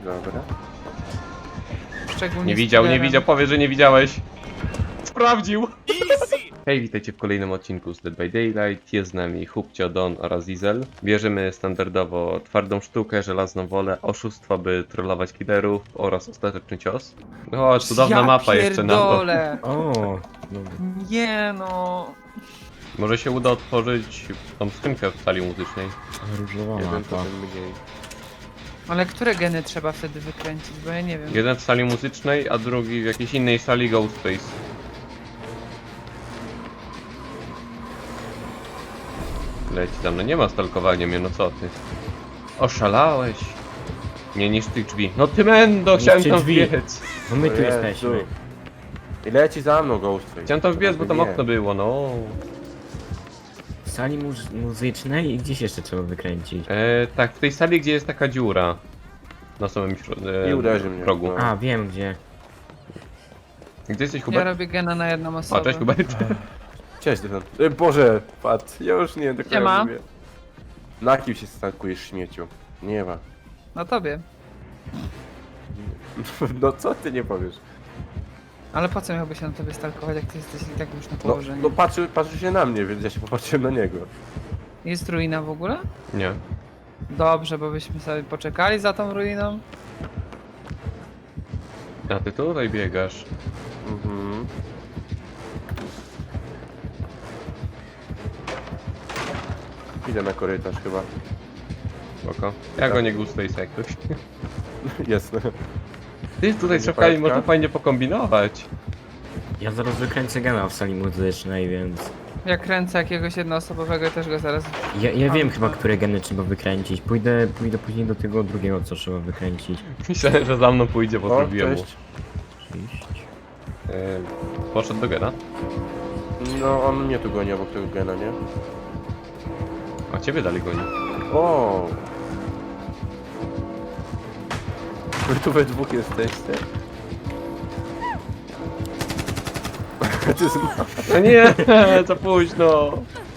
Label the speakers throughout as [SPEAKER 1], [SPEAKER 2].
[SPEAKER 1] Dobra.
[SPEAKER 2] Szczególnie
[SPEAKER 3] Nie
[SPEAKER 2] z
[SPEAKER 3] widział, nie
[SPEAKER 2] killerem.
[SPEAKER 3] widział, powie, że nie widziałeś. Sprawdził! Hej, witajcie w kolejnym odcinku z Dead by Daylight. Jest z nami Hubcio, Don oraz Diesel. Bierzemy standardowo twardą sztukę, żelazną wolę, oszustwo, by trollować killerów oraz ostateczny cios. O, cudowna mapa jeszcze na to.
[SPEAKER 2] Pierdolę.
[SPEAKER 4] O, dobra.
[SPEAKER 2] Nie no.
[SPEAKER 3] Może się uda otworzyć tą skrzynkę w sali muzycznej.
[SPEAKER 4] Różowa
[SPEAKER 1] Jeden to
[SPEAKER 4] mapa.
[SPEAKER 1] ten mniej.
[SPEAKER 2] Ale które geny trzeba wtedy wykręcić, bo ja nie wiem.
[SPEAKER 3] Jeden w sali muzycznej, a drugi w jakiejś innej sali Ghostface. Leci tam, no nie ma stalkowania mnie, no co ty? Oszalałeś? Nie niż tych drzwi. No ty mendo, chciałem
[SPEAKER 4] Niszczy
[SPEAKER 3] tam
[SPEAKER 4] drzwi.
[SPEAKER 3] wbiec.
[SPEAKER 4] Bo my tu
[SPEAKER 1] Jezu.
[SPEAKER 4] jesteśmy.
[SPEAKER 1] I leci za mną Ghostface.
[SPEAKER 3] Chciałem tam wbiec, bo tam
[SPEAKER 1] Nie.
[SPEAKER 3] okno było, no.
[SPEAKER 4] W sali muzycznej i gdzieś jeszcze trzeba wykręcić.
[SPEAKER 3] Tak, w tej sali, gdzie jest taka dziura. Na samym
[SPEAKER 1] I uderzy mnie,
[SPEAKER 3] progu.
[SPEAKER 1] no.
[SPEAKER 4] A, wiem gdzie.
[SPEAKER 3] Gdzie jesteś,
[SPEAKER 2] Ja
[SPEAKER 3] Hubert?
[SPEAKER 2] robię gena na jedną osobę.
[SPEAKER 3] O, cześć Hubert.
[SPEAKER 1] Cześć, Dylan. Boże, pat. Ja już nie wiem, do kogo
[SPEAKER 2] Siema.
[SPEAKER 1] mówię. Na kim się stankujesz, śmieciu? Nie ma.
[SPEAKER 2] Na tobie.
[SPEAKER 1] No co ty nie powiesz?
[SPEAKER 2] Ale po co miałby się na tobie stalkować, jak ty jesteś i tak już na
[SPEAKER 1] No,
[SPEAKER 2] położeniu?
[SPEAKER 1] no patrzy się na mnie, więc ja się popatrzyłem na niego.
[SPEAKER 2] Jest ruina w ogóle?
[SPEAKER 3] Nie.
[SPEAKER 2] Dobrze, bo byśmy sobie poczekali za tą ruiną.
[SPEAKER 3] A ty tutaj biegasz.
[SPEAKER 1] Mhm. Idę na korytarz chyba.
[SPEAKER 3] Spoko. Ja go nie Ghostface jak ktoś.
[SPEAKER 1] Jasne.
[SPEAKER 3] Ty tutaj
[SPEAKER 1] Będzie
[SPEAKER 3] z szafkami
[SPEAKER 1] paletka?
[SPEAKER 3] można fajnie pokombinować.
[SPEAKER 4] Ja zaraz wykręcę gena w sali muzycznej, więc...
[SPEAKER 2] Jak kręcę jakiegoś jednoosobowego, też go zaraz...
[SPEAKER 4] Ja wiem
[SPEAKER 2] A,
[SPEAKER 4] chyba,
[SPEAKER 2] to-
[SPEAKER 4] które geny trzeba wykręcić. Pójdę później do tego drugiego, co trzeba wykręcić.
[SPEAKER 3] Myślałem, że za mną pójdzie, bo
[SPEAKER 1] O,
[SPEAKER 3] zrobiłem mu.
[SPEAKER 1] cześć.
[SPEAKER 3] Poszedł do gena.
[SPEAKER 1] No, on mnie tu goni obok tego gena, nie?
[SPEAKER 3] A ciebie dalej goni.
[SPEAKER 1] O! Wy tu we dwóch jesteście. To jest...
[SPEAKER 3] No nie, za późno.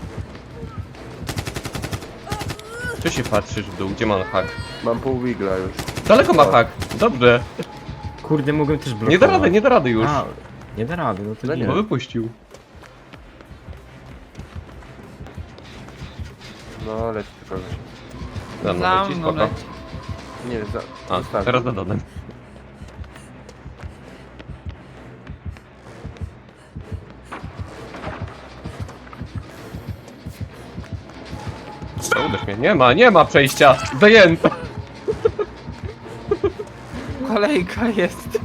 [SPEAKER 3] Co się patrzysz w dół? Gdzie ma hak?
[SPEAKER 1] Mam pół wigla już.
[SPEAKER 3] Daleko ma hak. Dobrze.
[SPEAKER 4] Kurde, mogłem też blokować.
[SPEAKER 3] Nie da rady już.
[SPEAKER 4] A, nie da rady, no to
[SPEAKER 1] No
[SPEAKER 4] nie.
[SPEAKER 3] Bo wypuścił.
[SPEAKER 1] No, leci do kogoś.
[SPEAKER 3] Za mną
[SPEAKER 2] Za
[SPEAKER 3] leci,
[SPEAKER 2] mną
[SPEAKER 3] spoko.
[SPEAKER 2] leci.
[SPEAKER 1] Nie,
[SPEAKER 3] A,
[SPEAKER 1] zostawił.
[SPEAKER 3] teraz za Donem. Uderz mnie. Nie ma przejścia. Zajęte.
[SPEAKER 2] Kolejka jest.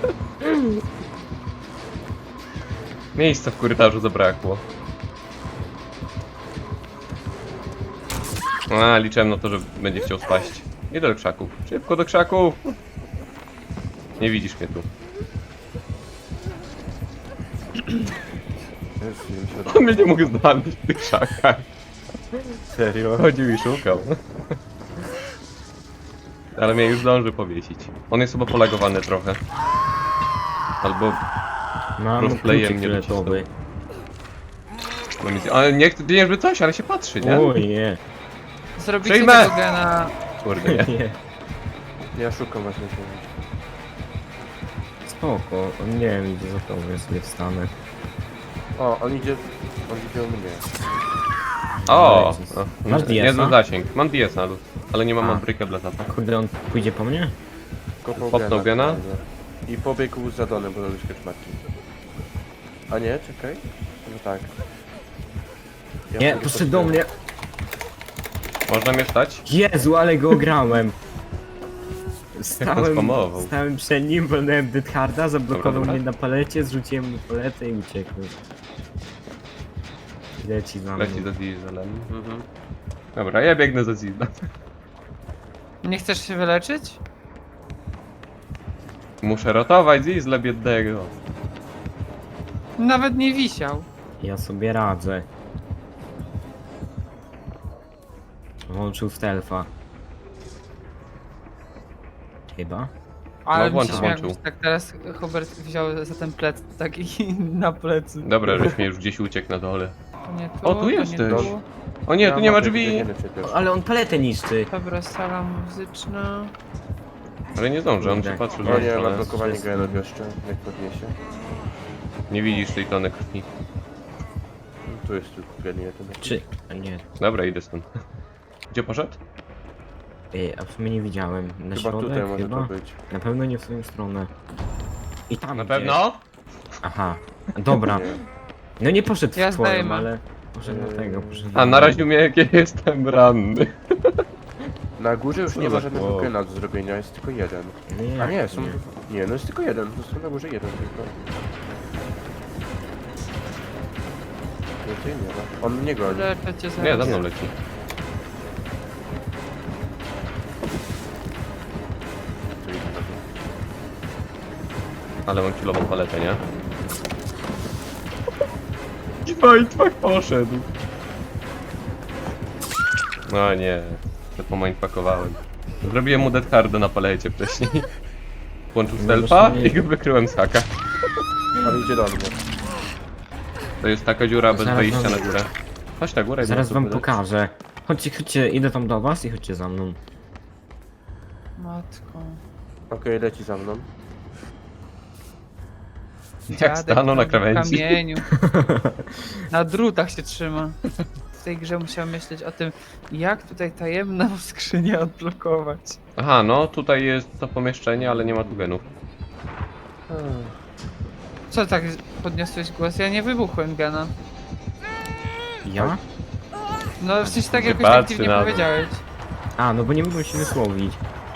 [SPEAKER 3] Miejsca w korytarzu zabrakło. A, liczyłem na to, że będzie chciał spaść. Nie do krzaków. Szybko do krzaków. Nie widzisz mnie tu.
[SPEAKER 1] Już mi się
[SPEAKER 3] On mnie nie mógł znaleźć w tych krzakach.
[SPEAKER 1] Serio?
[SPEAKER 3] Chodził i szukał. Ale mnie już zdąży powiesić. On jest chyba polagowany trochę. Albo...
[SPEAKER 4] Mam
[SPEAKER 3] Roleplayem
[SPEAKER 4] kluczyk
[SPEAKER 3] nie
[SPEAKER 4] fioletowy.
[SPEAKER 3] Ale nie chce, nie żeby coś, ale się patrzy, nie?
[SPEAKER 4] Oj, nie.
[SPEAKER 2] Zrobicie
[SPEAKER 3] Przyjmę!
[SPEAKER 2] tego gena.
[SPEAKER 3] Kurde, nie.
[SPEAKER 4] Nie.
[SPEAKER 1] Ja szukam właśnie tego.
[SPEAKER 4] Spoko, nie wiem, idę za tobą, ja sobie wstanę.
[SPEAKER 1] O, on idzie u mnie.
[SPEAKER 3] O!
[SPEAKER 4] Jezus.
[SPEAKER 3] o,
[SPEAKER 4] Masz
[SPEAKER 3] nie
[SPEAKER 4] DS-a?
[SPEAKER 3] za zasięg. Mam DS-a, ale nie mam
[SPEAKER 4] A.
[SPEAKER 3] abrykę dla tata.
[SPEAKER 4] Kurde, on pójdzie po mnie?
[SPEAKER 1] Kopnął
[SPEAKER 3] Popnął gena?
[SPEAKER 1] fajnie. I pobiegł za Donem, bo robisz kaczmarki. A nie, czekaj. No tak. Ja
[SPEAKER 4] Nie,
[SPEAKER 1] sobie
[SPEAKER 4] poszedł do mnie.
[SPEAKER 3] Można mnie stać?
[SPEAKER 4] Jezu, ale go ograłem.
[SPEAKER 3] spamował.
[SPEAKER 4] Stałem przed nim, wolnąłem Dead Harda, zablokował
[SPEAKER 3] Dobra.
[SPEAKER 4] mnie na palecie, zrzuciłem mu paletę i uciekłem. Leci za mną.
[SPEAKER 3] Leci za Dieselem.
[SPEAKER 1] Mhm.
[SPEAKER 3] Dobra, ja biegnę za Dieselem.
[SPEAKER 2] Nie chcesz się wyleczyć?
[SPEAKER 3] Muszę ratować Diesla biednego.
[SPEAKER 2] Nawet nie wisiał.
[SPEAKER 4] Ja sobie radzę. Włączył stealtha. Chyba.
[SPEAKER 2] Ale mi
[SPEAKER 3] włączył,
[SPEAKER 2] się śmiał,
[SPEAKER 3] włączył.
[SPEAKER 2] jakbyś tak teraz Hubert wziął za ten plec taki na plecy.
[SPEAKER 3] Dobra, żeś mnie już gdzieś uciekł na dole.
[SPEAKER 2] To nie tu,
[SPEAKER 3] O, tu
[SPEAKER 2] to
[SPEAKER 3] jesteś.
[SPEAKER 2] Nie tu.
[SPEAKER 3] O nie, tu nie ma
[SPEAKER 1] mam
[SPEAKER 3] drzwi!
[SPEAKER 1] biegniemy przecież.
[SPEAKER 4] Ale on paletę niszczy.
[SPEAKER 2] Dobra, sala muzyczna.
[SPEAKER 3] Ale nie zdążę, on
[SPEAKER 4] Kurde.
[SPEAKER 3] się patrzy,
[SPEAKER 1] O
[SPEAKER 3] że
[SPEAKER 1] nie, ma
[SPEAKER 3] stronę.
[SPEAKER 1] blokowanie genów jeszcze, jak podniesie.
[SPEAKER 3] Nie widzisz tej tony krwi.
[SPEAKER 1] Tu jest tylko gen jeden.
[SPEAKER 4] Czy... A nie.
[SPEAKER 3] Dobra, idę stąd. Gdzie poszedł?
[SPEAKER 4] A w sumie nie widziałem. Na
[SPEAKER 1] Chyba
[SPEAKER 4] środek
[SPEAKER 1] tutaj może
[SPEAKER 4] chyba?
[SPEAKER 1] to być.
[SPEAKER 4] Na pewno nie w swoją stronę. I tam
[SPEAKER 3] Na
[SPEAKER 4] gdzieś.
[SPEAKER 3] pewno?
[SPEAKER 4] Aha. Dobra.
[SPEAKER 1] Nie.
[SPEAKER 4] No nie poszedł
[SPEAKER 2] Ja
[SPEAKER 4] w twoją,
[SPEAKER 2] zdejmę.
[SPEAKER 4] ale... Poszedł na tego, poszedł
[SPEAKER 3] A
[SPEAKER 4] na
[SPEAKER 3] naraził mnie, jak ja jestem ranny.
[SPEAKER 1] Na górze już
[SPEAKER 3] Co
[SPEAKER 1] nie
[SPEAKER 3] za
[SPEAKER 1] ma żadnego
[SPEAKER 3] chłop.
[SPEAKER 1] gena do zrobienia, jest tylko jeden.
[SPEAKER 4] Nie,
[SPEAKER 1] A nie, są...
[SPEAKER 4] nie.
[SPEAKER 1] Nie, no jest tylko jeden, to są na górze jeden tylko. Więcej nie ma. On mnie goni.
[SPEAKER 2] Leczę cię zaraz.
[SPEAKER 3] Nie, za mną leci.
[SPEAKER 1] Tu idzie na dół.
[SPEAKER 3] Ale mam kilową paletę, nie? Mindfuck poszedł. No nie, to pomindfuckowałem. Zrobiłem mu dead harda na palecie wcześniej. Włączył
[SPEAKER 4] No
[SPEAKER 3] stealtha
[SPEAKER 4] właśnie.
[SPEAKER 3] i go wykryłem z haka.
[SPEAKER 1] Ale idzie do mnie.
[SPEAKER 3] To jest taka dziura bez
[SPEAKER 4] Zaraz
[SPEAKER 3] wejścia
[SPEAKER 4] wam-
[SPEAKER 3] na górę. Chodź na górę.
[SPEAKER 4] Zaraz
[SPEAKER 3] no,
[SPEAKER 4] wam
[SPEAKER 3] to wydać.
[SPEAKER 4] pokażę. Chodźcie, idę tam do was i chodźcie za mną.
[SPEAKER 2] Matko.
[SPEAKER 1] Okej, leci za mną.
[SPEAKER 3] Jak
[SPEAKER 2] Dziadek
[SPEAKER 3] stanął na
[SPEAKER 2] tam w
[SPEAKER 3] krawędzi.
[SPEAKER 2] kamieniu. Na drutach się trzyma. W tej grze musiał myśleć o tym, jak tutaj tajemną skrzynię odblokować.
[SPEAKER 3] Aha, no tutaj jest to pomieszczenie, ale nie ma tu genów.
[SPEAKER 2] Co tak podniosłeś głos? Ja nie wybuchłem gena.
[SPEAKER 4] Ja?
[SPEAKER 2] No w sensie tak
[SPEAKER 3] Nie
[SPEAKER 2] jakoś
[SPEAKER 3] patrzy
[SPEAKER 2] aktywnie
[SPEAKER 3] na to.
[SPEAKER 2] powiedziałeś.
[SPEAKER 4] A, no bo nie mogłem się wysłowić.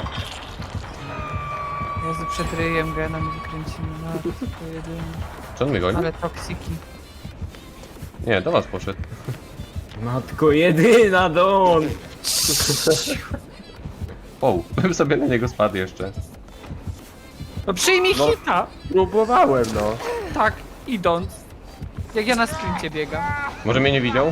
[SPEAKER 2] Jezu, przed ryjem gena mi wykręcimy. No, to jedyne.
[SPEAKER 3] Czy on mnie goni?
[SPEAKER 2] Ale toksiki.
[SPEAKER 3] Nie, do was poszedł.
[SPEAKER 4] Matko jedyna, Don!
[SPEAKER 3] Wow, bym sobie na niego spadł jeszcze.
[SPEAKER 2] No przyjmij
[SPEAKER 1] No.
[SPEAKER 2] hita!
[SPEAKER 1] Próbowałem, no.
[SPEAKER 2] Tak, idąc. Jak ja na sprincie biegam.
[SPEAKER 3] Może mnie nie widział?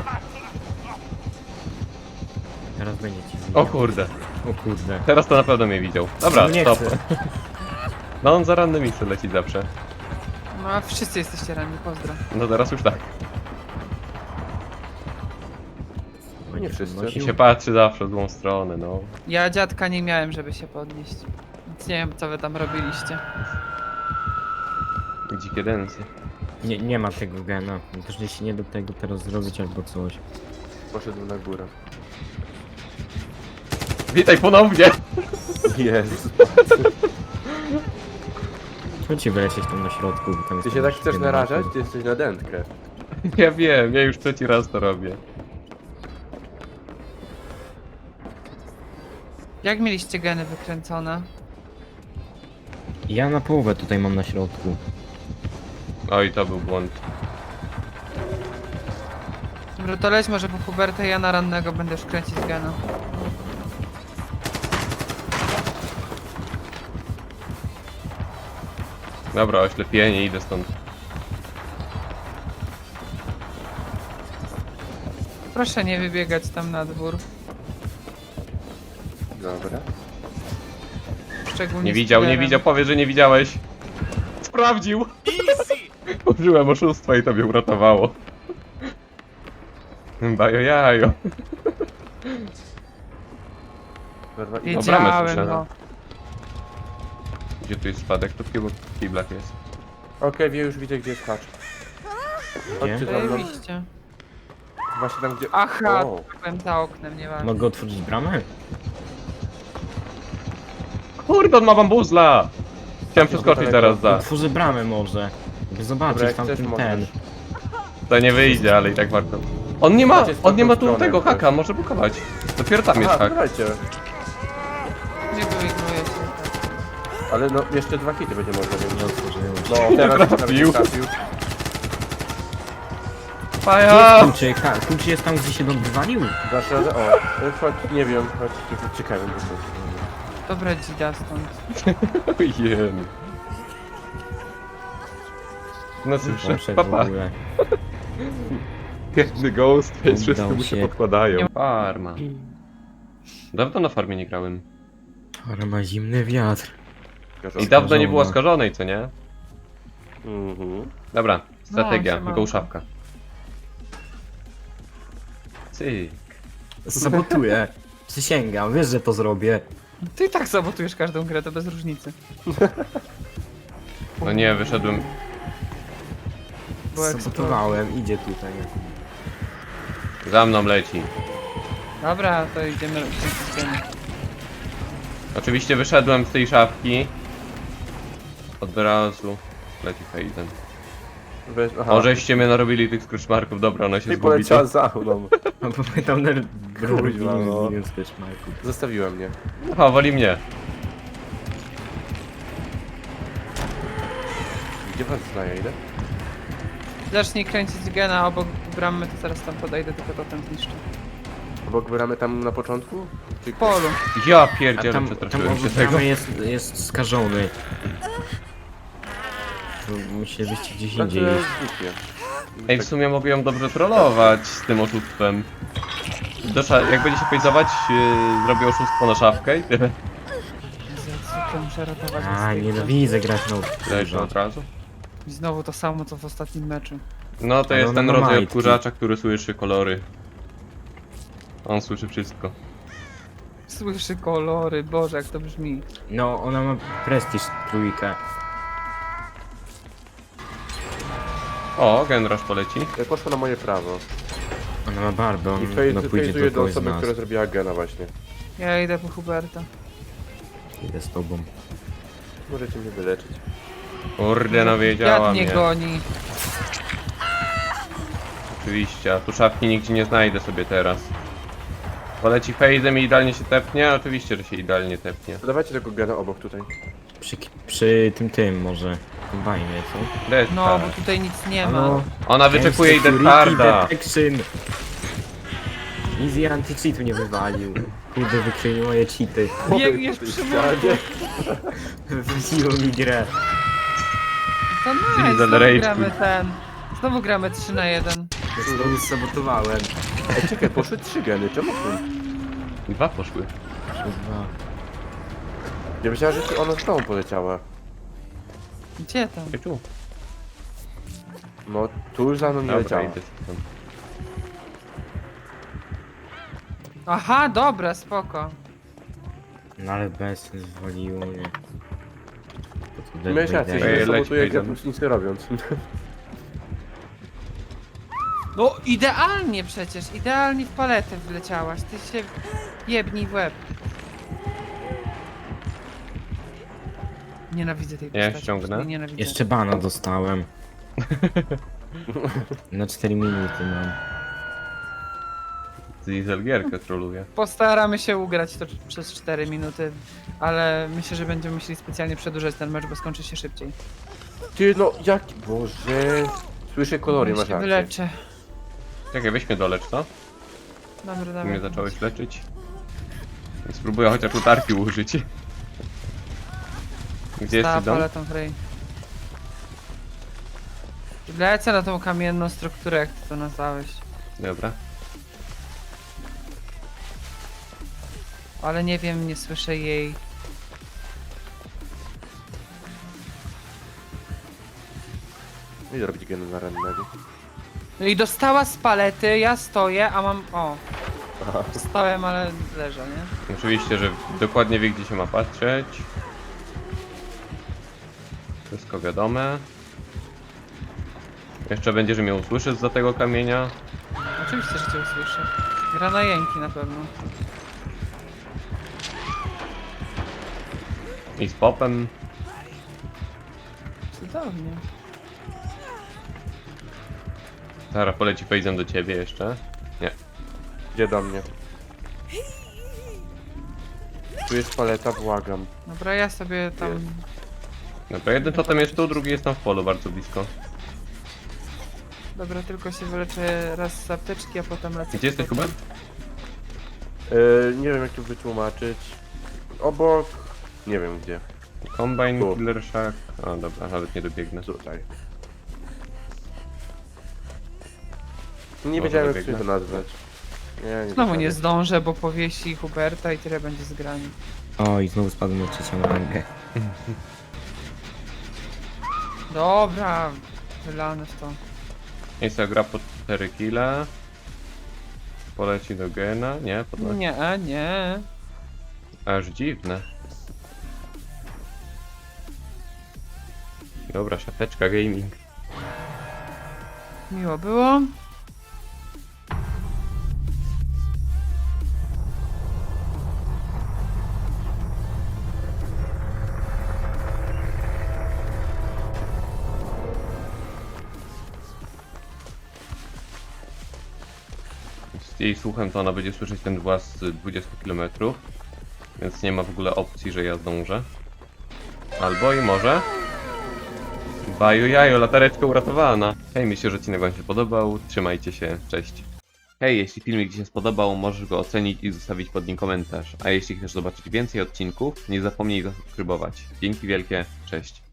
[SPEAKER 4] Teraz będziecie.
[SPEAKER 3] O kurde,
[SPEAKER 4] O kurde.
[SPEAKER 3] teraz to na pewno mnie widział. Dobra,
[SPEAKER 4] No nie
[SPEAKER 3] stop.
[SPEAKER 4] chcę.
[SPEAKER 3] No on za rannymi chce lecieć zawsze.
[SPEAKER 2] No a wszyscy jesteście ranni, pozdro.
[SPEAKER 3] No teraz już tak.
[SPEAKER 4] Będzie
[SPEAKER 1] wszyscy.
[SPEAKER 3] I
[SPEAKER 4] podnosił.
[SPEAKER 3] się patrzy zawsze w złą stronę, no.
[SPEAKER 2] Ja dziadka nie miałem, żeby się podnieść. Więc nie wiem, co wy tam robiliście.
[SPEAKER 3] Dzikie densy.
[SPEAKER 4] Nie ma tego gena. Też się nie do tego teraz zrobić albo coś.
[SPEAKER 1] Poszedł na górę.
[SPEAKER 3] Witaj ponownie!
[SPEAKER 1] Jezus.
[SPEAKER 4] Chodźcie wylecieć tam na środku, bo tam jest
[SPEAKER 1] Ty się
[SPEAKER 4] tam
[SPEAKER 1] tak chcesz
[SPEAKER 4] generator.
[SPEAKER 1] narażać? Ty jesteś na dętkę.
[SPEAKER 3] Ja wiem, ja już trzeci raz to robię.
[SPEAKER 2] Jak mieliście geny wykręcone?
[SPEAKER 4] Ja na połowę tutaj mam na środku.
[SPEAKER 3] Oj, to był błąd.
[SPEAKER 2] Dobra, to leć może po Huberta, ja na rannego będę już kręcić gena.
[SPEAKER 3] Dobra, oślepienie, idę stąd.
[SPEAKER 2] Proszę nie wybiegać tam na dwór.
[SPEAKER 1] Dobra.
[SPEAKER 2] Szczególnie
[SPEAKER 3] Nie
[SPEAKER 2] z
[SPEAKER 3] widział, nie
[SPEAKER 2] killerem.
[SPEAKER 3] widział, powie, że nie widziałeś. Sprawdził! Użyłem oszustwa i tobie uratowało. Bajo jajo.
[SPEAKER 1] Kurwa, i-
[SPEAKER 3] bramę
[SPEAKER 2] Wiedziałem,
[SPEAKER 3] słyszałem.
[SPEAKER 2] no.
[SPEAKER 3] Gdzie tu jest spadek? To w kiblach jest.
[SPEAKER 1] Okej, już widzę, gdzie jest hacz. Chodźcie za mną.
[SPEAKER 2] Zajebiście.
[SPEAKER 1] Właśnie tam, gdzie...
[SPEAKER 2] Aha,
[SPEAKER 1] O.
[SPEAKER 2] byłem za oknem, nieważne.
[SPEAKER 4] Mogę otworzyć bramę?
[SPEAKER 3] Kurde, on ma bambuzla! Chciałem przeskoczyć zaraz za.
[SPEAKER 4] Otworzę bramę może. By zobaczyć
[SPEAKER 1] Dobra, jak
[SPEAKER 4] tam
[SPEAKER 1] chcesz,
[SPEAKER 4] ten.
[SPEAKER 1] możesz.
[SPEAKER 3] To nie wyjdzie, ale i tak warto. On nie ma
[SPEAKER 1] Chodźcie z tamtą
[SPEAKER 3] tu
[SPEAKER 1] stronę
[SPEAKER 3] tego
[SPEAKER 1] jakoś.
[SPEAKER 3] haka, może blokować. Dopiero tam jest
[SPEAKER 1] Aha,
[SPEAKER 3] hak.
[SPEAKER 1] dawajcie.
[SPEAKER 2] Nie wyignuję się.
[SPEAKER 1] Ale no, jeszcze 2 hity będzie można
[SPEAKER 4] Nie
[SPEAKER 1] mieć.
[SPEAKER 4] otworzyłem.
[SPEAKER 1] No, teraz nawet
[SPEAKER 3] trafił.
[SPEAKER 1] nie trafił.
[SPEAKER 3] Faja!
[SPEAKER 4] Kluczy, kluczy jest tam, gdzie się Don wywalił?
[SPEAKER 1] Dasz radę? O, chodź, nie wiem, chodź, tu ciekawe po prostu.
[SPEAKER 2] Dobra, dzida stąd.
[SPEAKER 3] Ojej. No cóż,
[SPEAKER 4] Poszedł w
[SPEAKER 3] papa.
[SPEAKER 4] ogóle.
[SPEAKER 3] Biedny ghost, więc
[SPEAKER 4] Udało
[SPEAKER 3] wszyscy mu się
[SPEAKER 4] się.
[SPEAKER 3] podkładają. Farma. Dawno na farmie nie grałem.
[SPEAKER 4] Ale ma zimny wiatr.
[SPEAKER 3] I dawno nie było
[SPEAKER 4] Skażona.
[SPEAKER 3] skażonej, co nie?
[SPEAKER 1] Mhm.
[SPEAKER 3] Dobra, strategia,
[SPEAKER 2] siemanko.
[SPEAKER 3] go szapka. Cyk.
[SPEAKER 4] Sabotuję. Przysięgam, wiesz, że to zrobię.
[SPEAKER 2] Ty i tak sabotujesz każdą grę, to bez różnicy.
[SPEAKER 3] No nie, wyszedłem.
[SPEAKER 2] Bo jak
[SPEAKER 4] Sabotowałem, idzie tutaj.
[SPEAKER 3] Za mną leci.
[SPEAKER 2] Dobra, to idziemy.
[SPEAKER 3] Oczywiście wyszedłem z tej szafki. Od razu leci Hayden.
[SPEAKER 1] Weź, aha.
[SPEAKER 3] Możeście mnie narobili tych skruszmarków, dobra, ona się
[SPEAKER 1] I
[SPEAKER 3] zgubi.
[SPEAKER 1] poleciała za mną.
[SPEAKER 4] No bo my tam
[SPEAKER 1] Kurwa, no.
[SPEAKER 4] robiłem sketchmarku.
[SPEAKER 1] Zostawiła mnie.
[SPEAKER 3] Aha, woli mnie.
[SPEAKER 1] Gdzie was znaje, ile?
[SPEAKER 2] Zacznij kręcić gena obok bramy, to zaraz tam podejdę, tylko to tam zniszczę.
[SPEAKER 1] Obok gramy tam na początku? Czy...
[SPEAKER 2] W polu.
[SPEAKER 3] Ja
[SPEAKER 4] A
[SPEAKER 3] pierdzielę,
[SPEAKER 4] tam
[SPEAKER 3] przestraszyłem się
[SPEAKER 4] obok
[SPEAKER 3] tego.
[SPEAKER 4] bramy jest skażony. Tu musielibyście gdzieś
[SPEAKER 1] Znaczy,
[SPEAKER 4] indziej iść.
[SPEAKER 1] głupie.
[SPEAKER 3] Ej, w sumie mogę ją dobrze trollować z tym oszustwem. Jak będzie się fejzować, zrobię oszustwo na szafkę i tyle.
[SPEAKER 2] Zwykle muszę ratować.
[SPEAKER 4] A, nienawidzę grać no.
[SPEAKER 3] Leży od razu.
[SPEAKER 2] I znowu to samo, co w ostatnim meczu.
[SPEAKER 3] No to
[SPEAKER 4] Ale
[SPEAKER 3] jest
[SPEAKER 4] ona
[SPEAKER 3] ten
[SPEAKER 4] ma
[SPEAKER 3] rodzaj
[SPEAKER 4] majtki.
[SPEAKER 3] odkurzacza, który słyszy kolory. On słyszy wszystko.
[SPEAKER 2] Słyszy kolory, Boże, jak to brzmi.
[SPEAKER 4] No, ona ma prestiż trójkę.
[SPEAKER 3] O, Genrush poleci.
[SPEAKER 1] Poszło na moje prawo.
[SPEAKER 4] Ona ma barbę,
[SPEAKER 1] I
[SPEAKER 4] on no, pójdzie
[SPEAKER 1] fejzuje
[SPEAKER 4] do
[SPEAKER 1] do
[SPEAKER 4] kogoś z
[SPEAKER 1] osoby,
[SPEAKER 4] nas.
[SPEAKER 1] która zrobiła gena właśnie.
[SPEAKER 2] Ja idę po Huberta.
[SPEAKER 4] Idę z tobą.
[SPEAKER 1] Możecie mnie wyleczyć.
[SPEAKER 3] Kurde, no wiedziała
[SPEAKER 2] Jad nie
[SPEAKER 3] mnie.
[SPEAKER 2] goni.
[SPEAKER 3] Oczywiście, a tu szafki nigdzie nie znajdę sobie teraz. Poleci Fejdem i idealnie się tepnie? Oczywiście, że się idealnie tepnie.
[SPEAKER 1] To dawajcie tego gena obok tutaj.
[SPEAKER 4] Przy tym może. Kombajnie, co?
[SPEAKER 3] Death
[SPEAKER 2] No,
[SPEAKER 3] Card.
[SPEAKER 2] bo tutaj nic nie ma.
[SPEAKER 4] Halo?
[SPEAKER 3] Ona wyczekuje i
[SPEAKER 4] Security
[SPEAKER 3] Death
[SPEAKER 4] Detection. Easy anti-cheatu nie wywalił. Kurde, wykryli moje cheaty.
[SPEAKER 2] Biegniesz przy murku.
[SPEAKER 4] Wróciło mi grę.
[SPEAKER 2] To nice,
[SPEAKER 3] Diesel
[SPEAKER 2] znowu
[SPEAKER 3] Rage
[SPEAKER 2] gramy
[SPEAKER 3] Quit.
[SPEAKER 2] ten. Znowu gramy 3 na 1.
[SPEAKER 4] Znowu sabotowałem.
[SPEAKER 1] Ej, czekaj, poszły 3 geny, czemu tu?
[SPEAKER 3] Dwa poszły.
[SPEAKER 4] Kurwa.
[SPEAKER 1] Ja myślałem, że ona z tobą poleciała.
[SPEAKER 2] Gdzie tam?
[SPEAKER 3] I tu.
[SPEAKER 1] No, tu już za mną nie
[SPEAKER 3] Dobra,
[SPEAKER 1] leciała.
[SPEAKER 3] idę stąd.
[SPEAKER 2] Aha, dobra, spoko.
[SPEAKER 4] No ale bez zwaliło mnie. To tu
[SPEAKER 1] Miałeś rację,
[SPEAKER 3] Ej,
[SPEAKER 1] że
[SPEAKER 3] leć,
[SPEAKER 1] sabotuję grę
[SPEAKER 3] Hayden.
[SPEAKER 1] plus nic nie robiąc.
[SPEAKER 2] No idealnie przecież, idealnie w paletę wleciałaś. Ty się jebnij w łeb. Nienawidzę tej
[SPEAKER 3] Ja
[SPEAKER 2] postaci.
[SPEAKER 3] ściągnę.
[SPEAKER 2] po prostu jej Nienawidzę.
[SPEAKER 4] Jeszcze bana dostałem. Na 4 minuty mam.
[SPEAKER 3] Diesel gierkę troluje.
[SPEAKER 2] Postaramy się ugrać to przez 4 minuty, ale myślę, że będziemy musieli specjalnie przedłużać ten mecz, bo skończy się szybciej.
[SPEAKER 1] Ty no, jaki... Boże... Słyszę kolory,
[SPEAKER 2] Ja
[SPEAKER 1] masz
[SPEAKER 2] się
[SPEAKER 1] rację.
[SPEAKER 2] wyleczę.
[SPEAKER 3] Czekaj, weź mnie dolecz, co?
[SPEAKER 2] Dobra,
[SPEAKER 3] Ty
[SPEAKER 2] dobra.
[SPEAKER 3] mnie zacząłeś leczyć. Spróbuję chociaż utarki użyć. Gdzie jest
[SPEAKER 2] Ta
[SPEAKER 3] Sidon?
[SPEAKER 2] paletą Frey. Lecę na tą kamienną strukturę, jak ty to nazwałeś.
[SPEAKER 3] Dobra.
[SPEAKER 2] Ale nie wiem, nie słyszę jej.
[SPEAKER 1] Idę robić geny na rannego.
[SPEAKER 2] No i dostała z palety, ja stoję, a mam... O. Stałem, ale leżę, nie?
[SPEAKER 3] Oczywiście, że dokładnie wie, gdzie się ma patrzeć. Wszystko wiadome. Jeszcze będzie, że mnie usłyszy za tego kamienia.
[SPEAKER 2] Oczywiście, że cię usłyszę. Gra na jęki na pewno.
[SPEAKER 3] I z popem.
[SPEAKER 2] Cudownie.
[SPEAKER 3] Zaraz poleci Fejzem do ciebie jeszcze. Nie.
[SPEAKER 1] Gdzie do mnie? Tu jest paleta, błagam.
[SPEAKER 2] Dobra, ja sobie tam...
[SPEAKER 3] Dobra, jeden totem jest tu, drugi jest tam w polu, bardzo blisko.
[SPEAKER 2] Dobra, tylko się wyleczę raz z apteczki, a potem lecę.
[SPEAKER 3] Gdzie jesteś, Hubert?
[SPEAKER 1] Nie wiem jak to wytłumaczyć. Obok... Nie wiem gdzie.
[SPEAKER 3] Combine,
[SPEAKER 1] Tu.
[SPEAKER 3] Killer Shack. O dobra, nawet nie dobiegnę.
[SPEAKER 1] Tutaj. Nie
[SPEAKER 3] Może
[SPEAKER 1] wiedziałem jak
[SPEAKER 3] dobiegnę.
[SPEAKER 1] sobie to nazwać. Nie
[SPEAKER 2] Znowu nie
[SPEAKER 1] wiedziałem.
[SPEAKER 2] zdążę, bo powiesi Huberta i tyle będzie zgrani.
[SPEAKER 4] O, i znowu spadłem na 3. rangę.
[SPEAKER 2] Dobra, wylane w to.
[SPEAKER 3] Jest gra po 4 kile. Poleci do gena. Nie, podnosi.
[SPEAKER 2] Nie, nie.
[SPEAKER 3] Aż dziwne. Dobra, szafeczka gaming.
[SPEAKER 2] Miło było.
[SPEAKER 3] Z jej słuchem to ona będzie słyszeć ten głaz z 20 km. Więc nie ma w ogóle opcji, że ja zdążę. Albo i może. Baju jajo, latareczka uratowana. Hej, myślę, że odcinek wam się podobał. Trzymajcie się, cześć. Hej, jeśli filmik ci się spodobał, możesz go ocenić i zostawić pod nim komentarz. A jeśli chcesz zobaczyć więcej odcinków, nie zapomnij zasubskrybować. Dzięki wielkie, cześć.